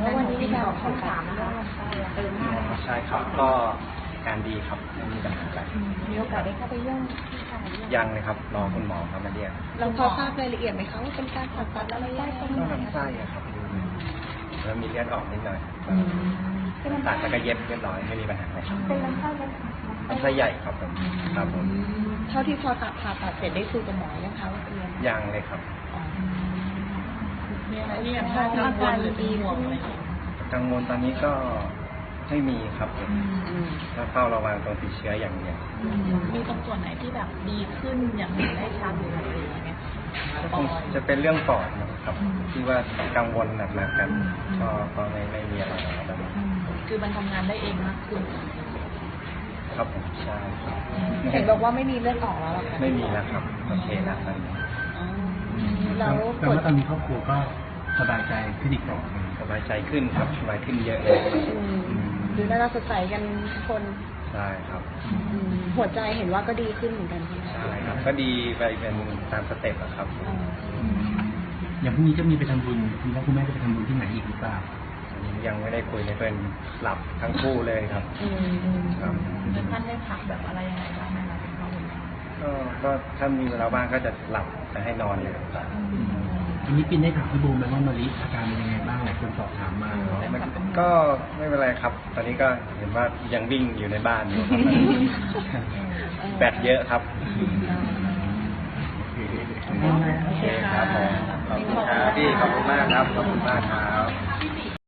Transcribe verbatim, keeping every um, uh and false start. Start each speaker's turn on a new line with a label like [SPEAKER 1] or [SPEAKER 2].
[SPEAKER 1] แล้ววันนี้มีการเข้าสามนะคะเติมหน้า
[SPEAKER 2] ใช่ครับก็การดีครับไม่มีปัญหาอะไร
[SPEAKER 1] มีโอกาสได้เข้าไปเยี่ยมที่ชาย
[SPEAKER 2] ยังเลยครับรอคุณหมอเขามาเรียก
[SPEAKER 1] เราพอทราบรายละเอียดไหมคะว่าเป็นการผ่าตัดอะไรได้ตรงไหน
[SPEAKER 2] ก็ลำไส้ครับแล้วมีเลือดออกนิดหน่อยตัดแล้วก็เย็บเรียบร้อยไม่มีปัญหาอะไรครับ
[SPEAKER 1] เป็นลำไส้เล็ก
[SPEAKER 2] ลำไส้ใหญ่ครับผมครับผม
[SPEAKER 1] เท่าที่พอตัดผ่าตัดเสร็จได้คุยกับหมอยังคะว่าเป็นยัง
[SPEAKER 2] ยังเลยครับ
[SPEAKER 1] มีอะไรที่ยังอาการดีห่วงไหม
[SPEAKER 2] กังวลตอนนี้ก็ไม่มีครับผมถ้าเฝ้าระวังตรงติดเชื้ออย่างเดียว
[SPEAKER 1] มีตรงส่วนไหนที่แบบดีขึ้นอย่างเห็นได้ชัดหรืออะไรอย่างเงี้ย
[SPEAKER 2] จะเป็นเรื่องปอดนะครับที่ว่ากังวลหนักๆกันก็ก็ไม่ไม่มีอะไรแบบนี้
[SPEAKER 1] คือมันทำงานได้เองมากขึ้น
[SPEAKER 2] ครับผมใช่ครับ
[SPEAKER 1] เห็นบอกว่าไม่มีเลือดออกแล้วหรอคะ
[SPEAKER 2] ไม่มีแล้วครับโอเคแล้วตอนนี้
[SPEAKER 3] แล้วแต่ว่าตอนนี้ครอบครัวก็สบายใจขึ้นอีกต่อ
[SPEAKER 2] สบายใจขึ้นครับสบายขึ้นเยอะเลย
[SPEAKER 1] ดูน่าสดใสกันทุกคน
[SPEAKER 2] ใช่ครับ
[SPEAKER 1] หัวใจเห็นว่าก็ดีขึ้นเหมือนกันใช่ไหม
[SPEAKER 2] ใช่ครับก็ดีไปเป็นตามสเต็ปครับ
[SPEAKER 3] อย่างพรุ่งนี้จะมีไปทำบุญคุณพ่อคุณแม่จะไปทำบุญที่ไหนอีกหรือเปล่า
[SPEAKER 2] ยังไม่ได้คุยในเพื่อนหลับทั้งคู่เลยครับ
[SPEAKER 1] ครับท่านได้พักแบบอะไรยังไงบ้างไหมคะคุณพ่อคุณแม่
[SPEAKER 2] ก็ก็ถ้ามีเวลาบ้างก็จะหลับจะให้นอนเลยครับ
[SPEAKER 3] อันนี้ปินได้ถามพี่บูมไหมว่ามาริอาการเป็นยังไงบ้างหลายคนสอบถามมา
[SPEAKER 2] ก็ไม่เป็นไรครับตอนนี้ก็เห็นว่ายังวิ่งอยู่ในบ้านอยู่แบตเยอะครับโอเคครับผมขอบคุณครับพี่ขอบคุณมากครับขอบคุณมากครับ